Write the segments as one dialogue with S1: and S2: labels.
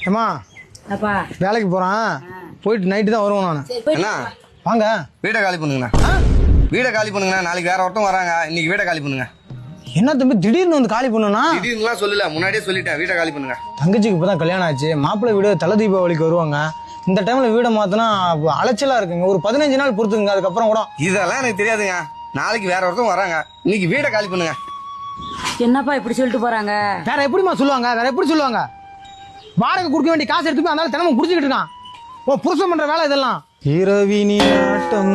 S1: ஏமா
S2: அப்பா
S1: வேலைக்கு போறான், போயிட்டு நைட்டு தான் வருவோம் நான்.
S3: அண்ணா
S1: வாங்க
S3: வீடை காலி பண்ணுங்கண்ணா. வீடை காலி பண்ணுங்கண்ணா. நாளைக்கு வேற ஒருத்தம் வராங்க. இன்னைக்கு வீடை காலி பண்ணுங்க.
S1: என்ன தம்பி திடீர்னு வந்து காலி பண்ணுனா?
S3: திடீர்னுலாம் சொல்லல, முன்னாடியே சொல்லிட்டேன். வீடை காலி பண்ணுங்க.
S1: தங்கச்சிக்கு இப்பதான் கல்யாணம் ஆச்சு. மாப்பிள்ளை வீடு தலை தீபாவளிக்கு வருவாங்க. இந்த டைம்ல வீடை மாத்தினா அலைச்சலா இருக்குங்க. ஒரு 15 நாள் பொறுத்துங்க, அதுக்கப்புறம் கூட.
S3: இதெல்லாம் எனக்கு தெரியாதுங்க. நாளைக்கு வேற ஒருத்தம் வராங்க. இன்னைக்கு வீடை காலி பண்ணுங்க.
S2: என்னப்பா இப்படி சொல்லிட்டு போறாங்க?
S1: வேற எப்படிமா சொல்லுவாங்க? வேற எப்படி சொல்லுவாங்க? வாடகை கொடுக்க வேண்டிய காசு எடுத்து அதனால தினமும் குடிச்சுக்கிட்டு இருக்கான். ஓ புருஷன் பண்ற வேலை இதெல்லாம். இரவினில் ஆட்டம்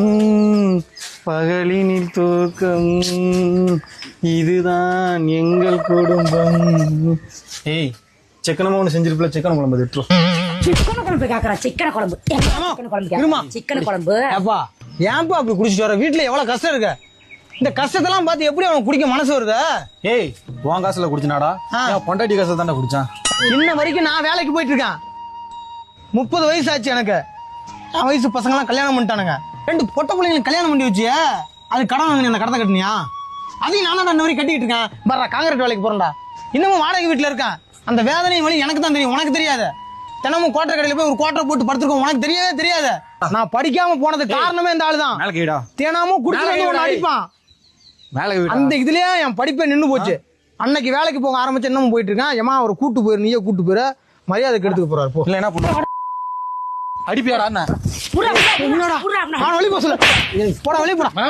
S1: பகலினில் தூக்கம், இதுதான் எங்கள் குடும்பம். ஏய் சிக்கனமா ஒண்ணு செஞ்சிருப்பல, சிக்கன் குழம்பு எடுத்துரும்.
S2: சிக்கன் குழம்பு கேக்குறா? சிக்கன் குழம்பு சிக்கன் குழம்பு.
S1: ஏப்பா ஏன்பா அப்படி குடிச்சிட்டு வர? வீட்டுல எவ்வளவு கஷ்டம் இருக்கு. இந்த கஷ்டத்தெல்லாம் பார்த்து எப்படி அவன் குடிக்க மனசு வருது?
S4: ஏய் உன் காசுல குடிச்சனாடா? பொண்டாட்டி காசுல தானே குடிச்சான்.
S1: இன்ன வரைக்கும் நான் வேலைக்கு போயிட்டு இருக்கேன். 30 வயசு ஆச்சு எனக்கு. என் வயசு பசங்க எல்லாம் கல்யாணம் பண்ணிட்டானுங்க. 2 பொட்ட பிள்ளைங்களுக்கு கல்யாணம் பண்ணி வச்சிய, அது கடன் வாங்கின அந்த கடத்தை கட்டினியா? அதையும் நான் தான் வரைக்கும் கட்டிட்டு இருக்கேன். பர்றா காங்கிரீட் வேலைக்கு போறேன்டா. இன்னமும் வாடகை வீட்டுல இருக்கேன். அந்த வேதனையும் வழி எனக்கு தான் தெரியும், உனக்கு தெரியாது. தினமும் கோட்டை கடையில போய் ஒரு கோட்டை போட்டு படுத்துருக்கோம், உனக்கு தெரியவே தெரியாது. நான் படிக்காம போனது காரணமே இந்த ஆளுதான். தினமும் குடிச்சு ஒண்ணு அடிப்பான். அந்த இதுலயே என் படிப்பே நின்னு போச்சு. அன்னைக்கு வேலைக்கு போக ஆரம்பிச்சு என்னமோ போயிட்டு இருக்கேன். ஏமா ஒரு கூட்டு போயிரு, நீயே கூட்டு போயிரு, மரியாதை கெடுத்துக்க போறாரு. போ.
S4: இல்ல என்ன பண்ண அடிப்பியாடா?
S1: வெளியே போட சொல்லு. போடா வெளியே போடா.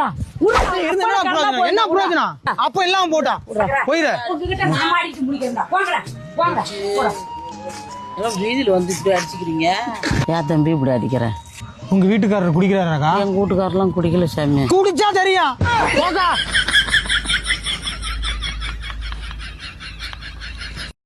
S1: என்ன பிரயோஜனம்? அப்ப இல்லாம போட்டா போயிரு.
S2: வீதியில வந்து இப்படி அடிச்சுக்கிறீங்க. ஏன் தம்பி இப்படி அடிக்கிற?
S1: உங்க வீட்டுக்காரர் குடிக்கிறாராக்கா?
S2: எங்க வீட்டுக்காரெல்லாம் குடிக்கல சாமி.
S1: குடிச்சா தெரியும்.